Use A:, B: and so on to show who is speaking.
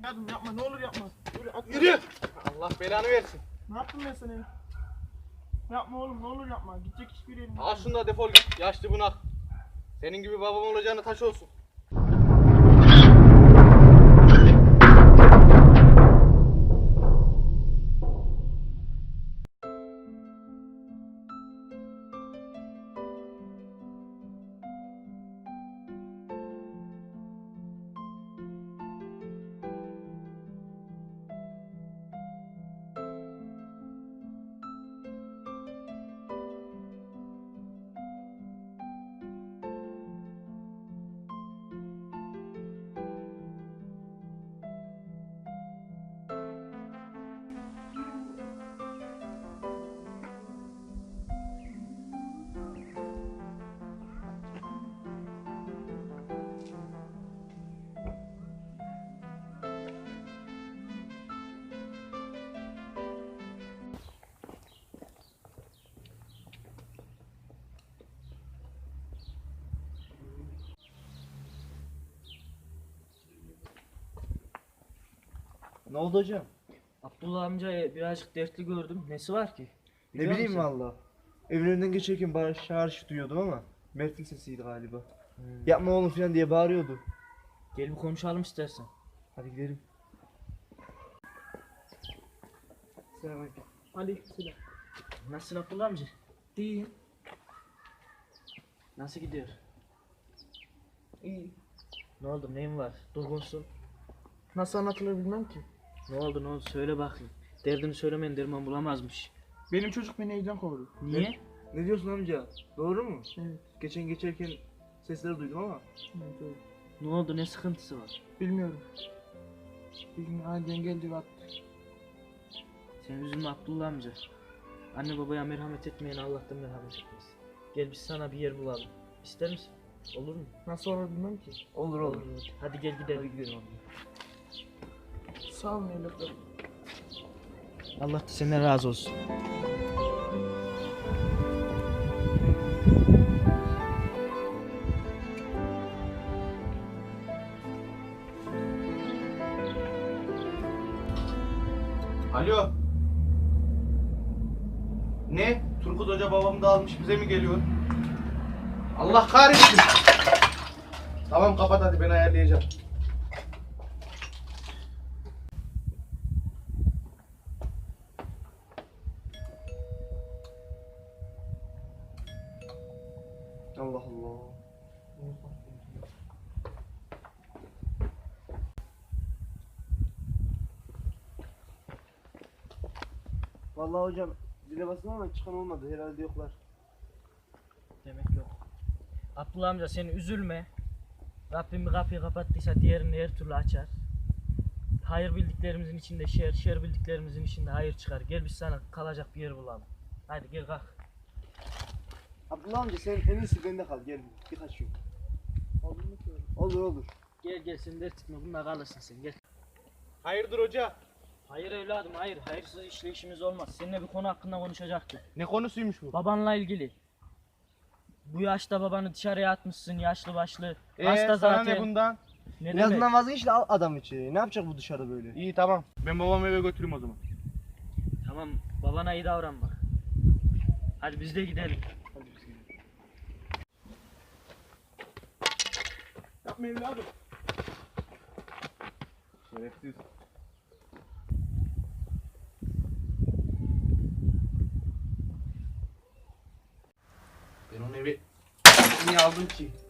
A: Yardım yapma, ne olur yapma.
B: Yürü! Allah belanı versin.
A: Ne yaptım ben sana? Yapma oğlum, ne olur yapma. Gidecek hiçbir yerim yok.
B: Al şunu da defol git. Yaşlı bunak. Senin gibi babam olacağına taş olsun.
C: Ne oldu hocam?
D: Abdullah amcayı birazcık dertli gördüm. Nesi var ki?
C: Ne
D: Biliyor
C: bileyim
D: musun?
C: valla. Evin önünden geçerken bağırış duyuyordum ama Mert'in sesiydi galiba. Yapma oğlum falan diye bağırıyordu.
D: Gel bir konuşalım istersen.
C: Hadi gidelim. Selamünaleyküm.
A: Aleykümselam.
D: Nasılsın Abdullah amca?
A: İyiyim.
D: Nasıl gidiyor?
A: İyi.
D: Ne oldu? Neyin var? Durgunsun.
A: Nasıl anlatılır bilmem ki.
D: Ne oldu? Söyle bakayım. Derdini söylemeyen derman bulamazmış.
A: Benim çocuk beni evden kovdu.
D: Niye?
C: Ne diyorsun amca? Doğru mu?
A: Evet.
C: Geçen geçerken sesleri duydum ama.
A: Evet, evet.
D: Ne oldu? Ne sıkıntısı var?
A: Bilmiyorum. Bir gün aniden geldi ve attı.
D: Sen üzülme Abdullah amca. Anne babaya merhamet etmeyen Allah'tan merhamet etmez. Gel biz sana bir yer bulalım. İster misin? Olur mu?
A: Nasıl olur bilmem ki.
C: Olur olur.
D: Hadi gel gidelim.
C: Hadi gidelim amca.
A: Sağ olun evlatlarım.
D: Allah da senden razı olsun.
B: Alo. Ne? Turgut Hoca babamı da almış bize mi geliyor? Allah kahretsin. Tamam kapat hadi ben ayarlayacağım.
C: Allah Allah. Vallahi hocam zile bastım ama çıkan olmadı. Herhalde yoklar.
D: Demek yok. Abdullah amca sen üzülme. Rabbim bir kapıyı kapattıysa diğerini her türlü açar. Hayır bildiklerimizin içinde şer, şer bildiklerimizin içinde hayır çıkar. Gel biz sana kalacak bir yer bulalım. Hadi gel kalk.
C: Abdullah amca sen en iyisi bende kal. Gel birkaç gün.
A: Olur mu ki öyle?
C: Olur olur.
D: Gel sen dert etme bununla kalırsın sen gel.
B: Hayırdır hoca?
D: Hayır evladım hayır. Hayırsız işle işimiz olmaz. Seninle bir konu hakkında konuşacaktık.
B: Ne konusuymuş bu?
D: Babanla ilgili. Bu yaşta babanı dışarıya atmışsın yaşlı başlı. Hasta
B: sana
D: zaten.
B: ne bundan?
D: Ne
C: En
D: demek?
C: azından vazgeç de al adam içeri. Ne yapacak bu dışarıda böyle?
B: İyi tamam. Ben babamı eve götüreyim o zaman.
D: Tamam babana iyi davran bak. Hadi biz de gidelim.
A: Yapma evladım.
B: Şerefsiz. Ben onu eve niye aldım ki?